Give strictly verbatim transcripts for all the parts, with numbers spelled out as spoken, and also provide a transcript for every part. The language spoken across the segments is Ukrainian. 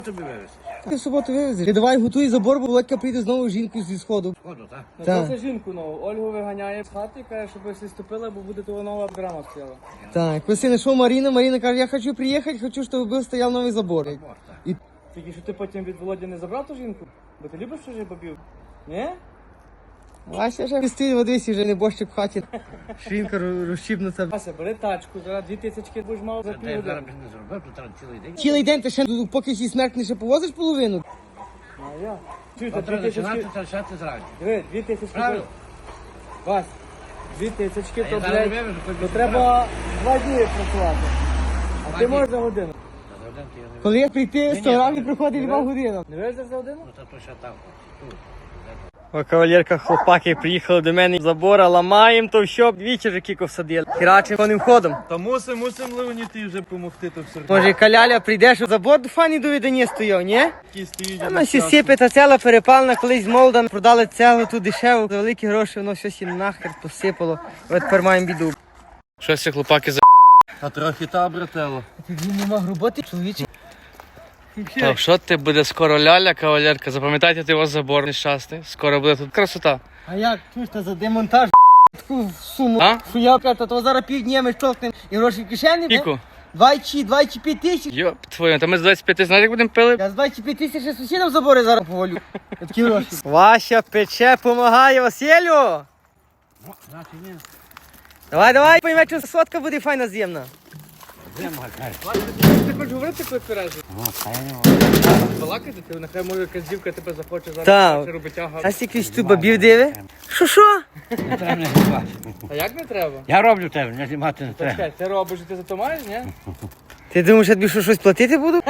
Тобі вивезти. Ти в суботу вивезеш. Ти давай готуй забор, бо Володька прийде знову жінку зі сходу. Ходу, так? Так. Це жінку нову. Ольгу виганяє з хати і каже, щоб ви ступили, бо буде того нова драма стояла. Так, коли знайшов Маріна, Маріна каже, я хочу приїхати, хочу, щоб був стояв новий забор. І Тільки що ти потім від Володі не забрав ту жінку? Бо ти любиш чужих бабів? Ні? Вася вже стоїть в Одесі, вже не борщик в хаті. Жінка розчіпнута. Вася, бери тачку, зараз дві тисячки будеш мав за Та я зараз півгодини. б не зробив, то треба цілий день. Цілий день ти ще поки ще смерть не ще повозиш половину. А я? Чуєте, А дві треба тисячки... починати почати зранку. Диви, дві тисячки... Правильно? Вась, дві тисячки, А то, я зараз блядь, вивезу, хоч то би треба два дні працювати. А Два ти дні. можеш за годину. Та за один ти я не Коли я прийти, ні, сто разів ні. приходить два години. Не везеш за годину? Ну, та то ще там. Тут. О, кавалерка, хлопаки приїхали до мене з забора, ламаємо то що, двічі вже кіко всадили. Херачим коним ходом. Та мусим, мусим Леоніти вже допомогти, то все. Може, каляля прийде, що забор до фані до видання стояв, ні? Які стоїть. Воно ще сіпе, та ціла перепалена, колись з Молдан продали цеглу ту дешеву, за великі гроші, воно щось і нахер посипало. От тепер маємо біду. Щось ці хлопаки за... А трохи та, брателло. Він не мав роботи, чоловіче. Так, що ти буде скоро ляля, кавалерка? Запам'ятайте, ти у вас забор нещасний. Скоро буде тут красота. А як, чуєш, та за демонтаж таку суму, А? що я кажу, то зараз півдня ми штовхнемо і гроші в кишені, бе? Іку? Двадцять, двадцять п'ять тисяч. Йоп, твою, та ми з двадцять п'яти, знаєш, як будемо пили? Я з двадцять п'ять тисяч ще сусідам забори зараз повалю. Такі гроші. Вася пече, помагає Василю. Ну, значить, ні. Давай, давай, пойме, що сотка буде файна з'ємна. Зима, каже. Ти хочеш говорити, коли тверезо? Ну, та я не можу. Балакати, ти нехай може якась дівка тебе захоче зараз Так. хоче робити ага. А скільки ж тут бабів диви? Що, що? Не треба мене знімати. А як не треба? Я роблю тебе, не знімати не треба. Чекай, ти робиш, і ти за то маєш, ні? Ти думаєш, я тобі що, щось платити буду?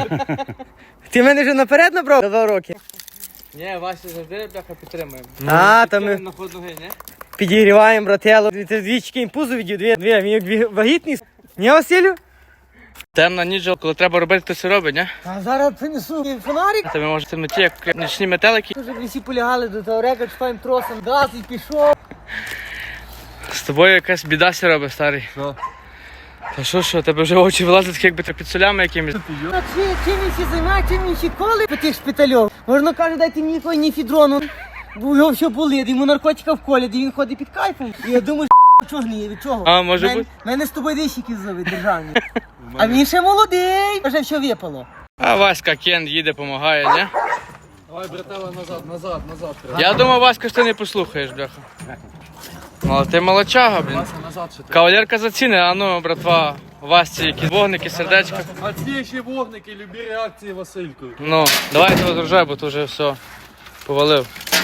Ти мене вже наперед набрав за два роки. Ні, Вася завжди бляха підтримує. А, та ми На ход ноги, ні? підігріваємо, брателло. Ти двічки імпузу відів, дві, дві, він як дві- вагітний. Ні, Василю? Темна ніч, коли треба робити, то все робить, ні? А зараз принесу фонарик. Та ми може в темноті, як нічні метелики. Вже всі полягали до того река, чіпаємо тросом, газ і пішов. З тобою якась біда ся робить, старий. Що? Та що, що, тебе вже очі вилазять, так якби ти під солями якимись. А чи, чим він ще займає, чим він ще коли по тих шпитальов? Можна каже, дайте мені якої ні фідрону. Бо його все болить, йому наркотика в колі, де він ходить під кайфом. І я думаю, що чого гніє, від чого? А, може Мен- бути. Мене з тобою дещики зовуть державні. А він ще молодий, вже все випало. А Васька Кен їде, допомагає, ні? Давай, братела, назад, назад, назад. Я думав, Васька, що ти не послухаєш, бляха. Ну, але ти молодчага, блін. Назад ще. Кавалерка заціни, а ну, братва, Васці якісь вогники, сердечка. А ці ще вогники, любі реакції, Васильку. Ну. Ну, давай того зрожай, бо то вже все повалив.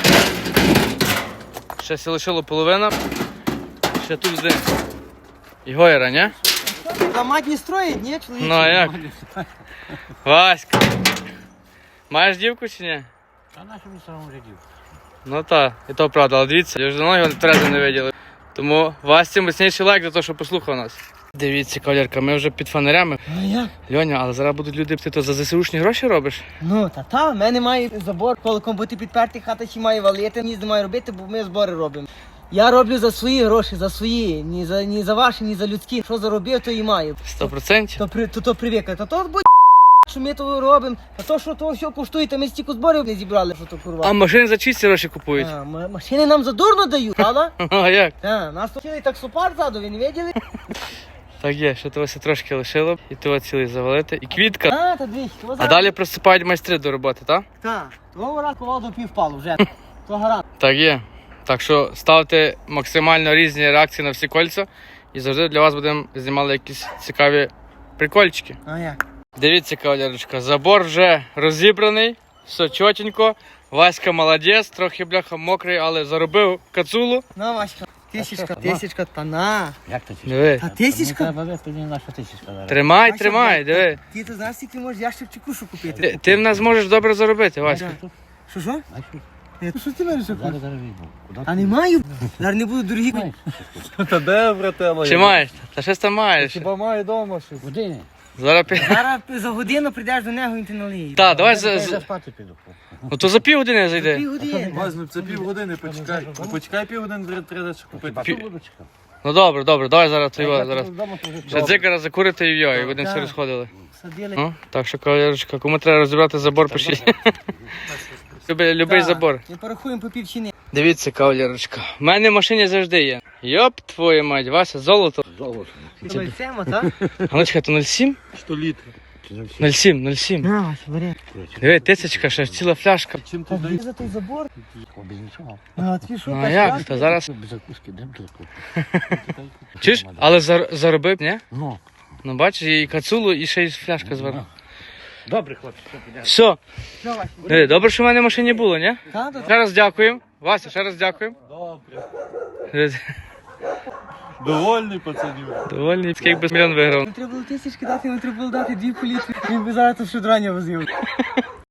Ще сі лишило половина. Ще тут один. І Гойра, ні? Ламать не строїть, ні, чоловік? Ну, а як? Васька. Маєш дівку чи ні? А нашому самому жидів. Ну так, і то правда, але дивіться, я вже давно його тверезо не виділи. Тому Васці міцніший лайк за те, що послухав нас. Дивіться, кавалерка, ми вже під фонарями. А як? Льоня, але зараз будуть люди, ти то за ЗСУшні гроші робиш? Ну, та та, в мене має забор, колоком бути підпертий, хата ще має валити, ні не має робити, бо ми збори робимо. Я роблю за свої гроші, за свої, ні за, ні за ваші, ні за людські. Що заробив, то і маю. Сто процентів? То, при, то, то привикли. Та то будь що ми то робимо, а то, що то все коштує, та ми стільки зборів не зібрали, що то курва. А машини за чисті гроші купують. А, м- машини нам задурно дають, правда? А як? А, нас то цілий таксопарк ззаду, ви не виділи? Так є, що того трошки лишило, і того цілий завалити. І квітка. А, та двічі. А далі присипають майстри до роботи, так? Так, того раз ковал до півпалу вже. То гарант. Так є. Так що ставте максимально різні реакції на всі кольця. І завжди для вас будемо знімати якісь цікаві прикольчики. А як? Дивіться, кавалерочка, забор вже розібраний, все чотенько. Васька молодець, трохи бляха мокрий, але заробив кацулу. На, Васька. Тисячка, тисячка, та на. Як то ті? Диви. Та Мені тисячка? треба вести не наша тисячка зараз. Тримай, Вася, тримай, блядь, диви. Ти то знаєш, скільки можеш ящик чи кушу купити? Ти, ти в нас можеш добре заробити, Васька. Що, що? А що? Е, Що ти мене що Зараз зараз візьму. Куди А не маю. Зараз не буду дорогі. маєш? Та де, брателло? Чи маєш? Та щось там маєш. Хіба має вдома щось? Куди? Зараз пі... Зараз за годину прийдеш до нього і ти налиєш. Так, давай Я за, за за... спати піду. Ну то за півгодини зайди. Пів години. Ну, Це півгодини, почекай. Ну, почекай півгодини, треба ще купити. Хіба буду чекати? Ну добре, добре, давай зараз твій зараз. Вдома то вже Ще дзикара закурити і йо, і будемо всі Так. розходили. Садили. Ну, так що, кавалерочка, кому треба розібрати забор, пишіть. Любий, любий Так, забор. І порахуємо по півчини. Дивіться, кавалерочка, в мене в машині завжди є. Йоп, твою мать, Вася, золото. Золото. Лицемо, так? А ну чекай, то нуль сім? Сто літрів. нуль сім, нуль сім. На, Вася, бери. Диви, тисячка, ще ціла фляжка. Чим ти Так, даєш? за той забор. Без нічого. А, ти що, Ну а перший як? раз? Та зараз. Без закуски, дем тут. Чуєш? Але зар- заробив, ні? Ну. Ну бачиш, і кацулу, і ще й фляжка зверху. Добре, хлопці, все піде. Все. Що, Вася? Диви, добре, що в мене в машині було, ні? Та, та, Ще раз дякуємо. Вася, ще раз дякуємо. Добре. Довольний пацанів. Довольний, скільки би мільйон виграв. Не треба було тисячки дати, не треба було дати дві політри. Він би зараз тут шудрання возив.